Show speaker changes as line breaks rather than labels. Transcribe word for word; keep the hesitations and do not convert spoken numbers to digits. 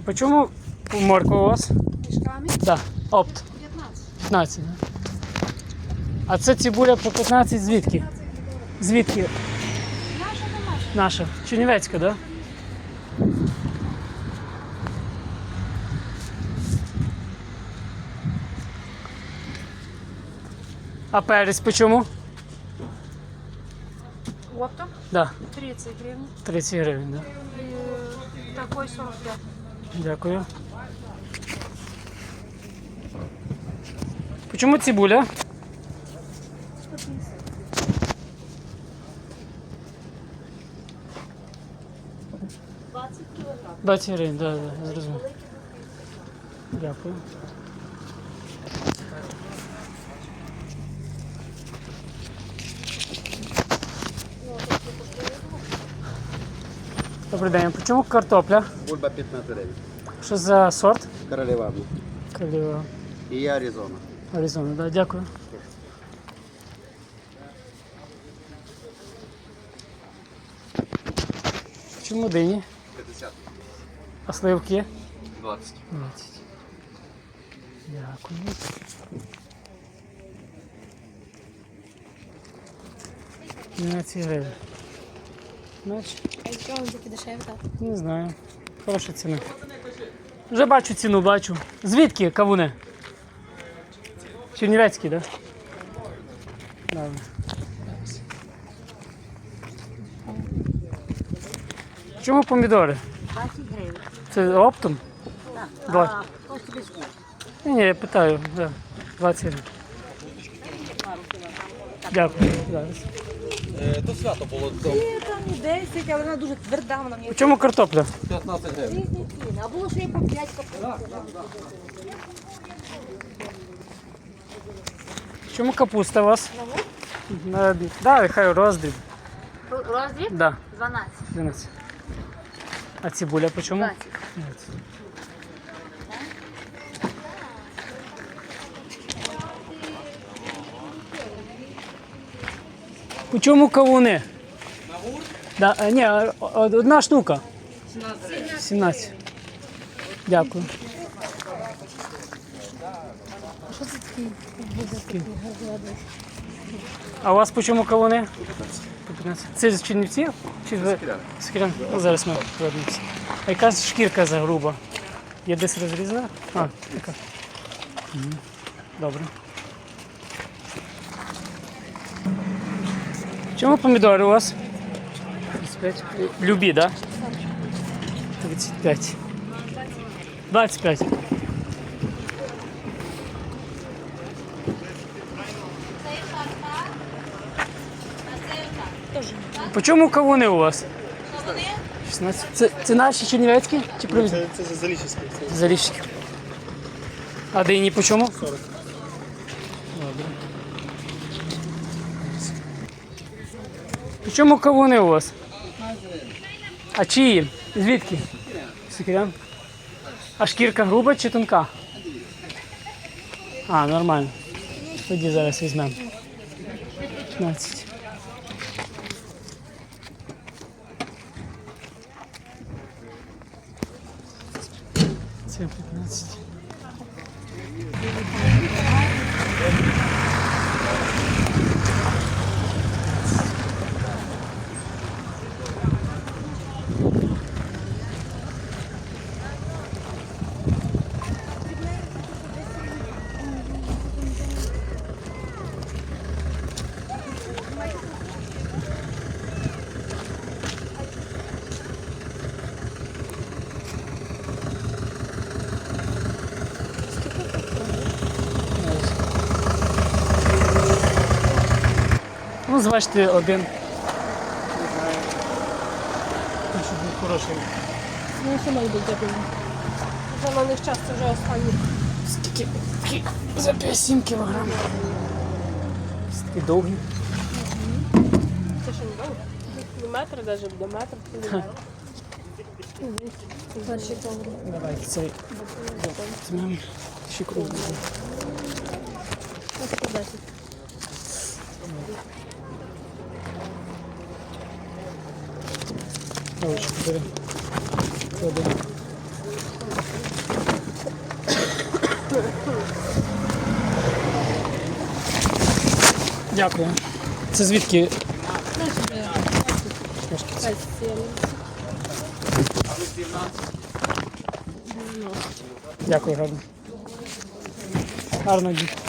по чому морква у вас?
Мішками?
Так, да. Опт.
п'ятнадцять.
п'ятнадцять, да? А це цибуля по п'ятнадцять звідки? Звідки?
Наша домашня.
Наша. Чернівецька, так? Да? А перець по чому?
Оптом
Да.
тридцать гривен.
тридцять гривень, да?
И такой сорок пять.
Дякую. По чому цибуля?
двадцать килограмм.
двадцять гривень, так, да, да, зрозумів. Дякую. Добрий день, по чому картопля?
Бульба п'ятнадцять гривень.
Що за сорт?
Королева.
Королева.
І Аризона.
Аризона, да, дякую. Чому дині?
п'ятдесят.
А сливки?
двадцять.
двадцять. Дякую. дванадцять гривень. Значить,
А що він такі дешеві, так?
не знаю. Хороша ціна. Вже бачу ціну, бачу. Звідки кавуни? Чернівецький, так? Да? Добре. Чому помідори?
двадцять гривень.
Це оптом?
Так.
Два.
А хто собі скаже?
Ні, ні, я питаю. Да. двадцять гривень. Дякую. Зараз.
То свято було.
Ні, там і десять, але вона дуже тверда, вона мені
По чому картопля?
п'ятнадцять гривень.
різні ціни. А було ще й по п'ять копійок.
Чому капуста у вас? На обід. Да, хай роздріб.
Роздріб?
Да,
дванадцять.
дванадцять. А цибуля по чому?
двадцять.
двадцять. По чому кавуни? Да, а, ні, а, одна штука. сімнадцять. Дякую.
Що це такий?
А у вас по чому кавуни? По п'ятнадцять. Це з Чернівців? Чи з Скірян? Ну, зараз ми повернемося. А яка ж шкірка за груба? Є десь розрізана? А, така. Мгм. Добре. Чому помідори у вас? тридцять п'ять. Любі, так? Да? тридцять п'ять. двадцять п'ять. По чому кавуни у вас? шістнадцять. Це, це наші чернівецькі? Чи привезні?
Це, це залічівське.
Заліщики. А дині по чому?
сорок.
Добре. По чому кавуни у вас? А чиї? Звідки? Сікірян. А шкірка груба чи тонка? А, нормально. Тоді зараз візьмемо. п'ятнадцять. Це п'ятнадцять. Ну, зважте один. Не знаю. Щоб був хороший.
Ну, що має бути дякую. Вже на них час, це вже останній.
Скільки? Такі за п'ять-сім кілограм. Такі довгі.
Це що не довго? До метра навіть, до метра. Перший повод.
Давайте цей. Візьмемо ще круг.
Ось по десять.
Ручку бери. Клади. Дякую. Це звідки?
П'ять сімдесят.
Дякую, гарно. Гарно дій.